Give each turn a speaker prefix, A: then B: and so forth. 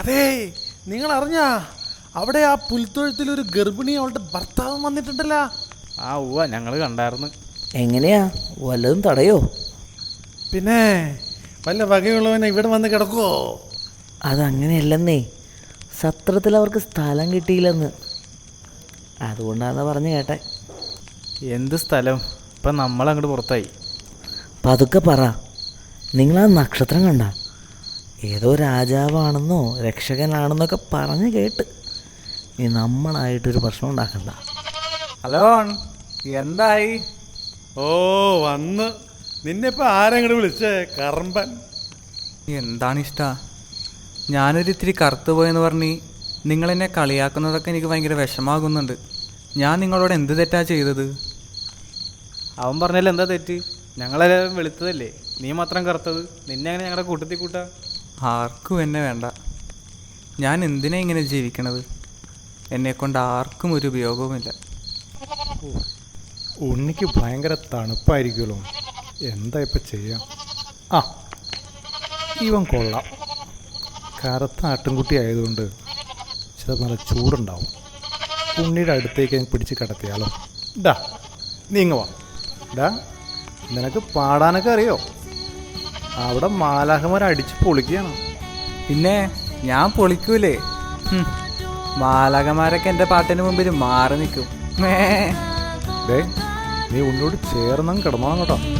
A: അതെ, നിങ്ങൾ അറിഞ്ഞാ അവിടെ ആ പുൽത്തൊഴുത്തിൽ ഒരു ഗർഭിണി അവളുടെ ഭർത്താവും വന്നിട്ടുണ്ടല്ലോ.
B: ആ ഉവ്വ, ഞങ്ങൾ കണ്ടായിരുന്നു.
C: എങ്ങനെയാ, വല്ലതും തടയോ?
A: പിന്നെ വല്ല വകയുള്ളവനെ ഇവിടെ വന്ന് കിടക്കുവോ?
C: അതങ്ങനെയല്ലെന്നേ, സത്രത്തിൽ അവർക്ക് സ്ഥലം കിട്ടിയില്ലെന്ന്, അതുകൊണ്ടാണെന്ന് പറഞ്ഞു കേട്ടെ.
B: എന്ത് സ്ഥലം? ഇപ്പം നമ്മളങ്ങോട്ട് പുറത്തായി.
C: പതുക്കെ പറ. നിങ്ങളാ നക്ഷത്രം കണ്ട? ഏതോ രാജാവാണെന്നോ രക്ഷകനാണെന്നൊക്കെ പറഞ്ഞ് കേട്ട്. നീ നമ്മളായിട്ടൊരു പ്രശ്നം ഉണ്ടാക്കണ്ട.
D: ഹലോ, എന്തായി?
A: ഓ, വന്ന് നിന്നെപ്പോ ആരെങ്ങോട്ട് വിളിച്ചേ? കറമ്പൻ.
D: എന്താണ് ഇഷ്ട? ഞാനൊരു ഇത്തിരി കറുത്തു പോയെന്ന് പറഞ്ഞ് നിങ്ങളെന്നെ കളിയാക്കുന്നതൊക്കെ എനിക്ക് ഭയങ്കര വിഷമാകുന്നുണ്ട്. ഞാൻ നിങ്ങളോട് എന്ത് തെറ്റാ ചെയ്തത്?
B: അവൻ പറഞ്ഞാലും എന്താ തെറ്റ്? ഞങ്ങളെല്ലാവരും വെളുത്തതല്ലേ, നീ മാത്രം കറുത്തത്. നിന്നെ അങ്ങനെ ഞങ്ങളുടെ കൂട്ടത്തിൽ കൂട്ടാ?
D: ആർക്കും എന്നെ വേണ്ട. ഞാൻ എന്തിനാ ഇങ്ങനെ ജീവിക്കണത്? എന്നെക്കൊണ്ട് ആർക്കും ഒരു ഉപയോഗവുമില്ല.
A: ഉണ്ണിക്ക് ഭയങ്കര തണുപ്പായിരിക്കുമല്ലോ. എന്താ ഇപ്പം ചെയ്യാം? ആ, ഇവൻ കൊള്ളാം. കറുത്ത ആട്ടിൻകുട്ടി ആയതുകൊണ്ട് ചിലപ്പോൾ നല്ല ചൂടുണ്ടാവും. ഉണ്ണിയുടെ അടുത്തേക്ക് ഞാൻ പിടിച്ച് കിടത്തിയാലോ? ഡാ, നീങ്ങ വാ. ഡാ, നിനക്ക് പാടാനൊക്കെ അറിയോ? അവിടെ മാലാഖമാരെ അടിച്ച് പൊളിക്കുകയാണ്.
D: പിന്നെ ഞാൻ പൊളിക്കൂലേ? മാലകമാരൊക്കെ എൻ്റെ പാട്ടിന് മുമ്പിൽ മാറി നിൽക്കും.
A: ഡേ, നീ ഉന്നോട് ചേർന്നും കിടന്നോണം കേട്ടോ.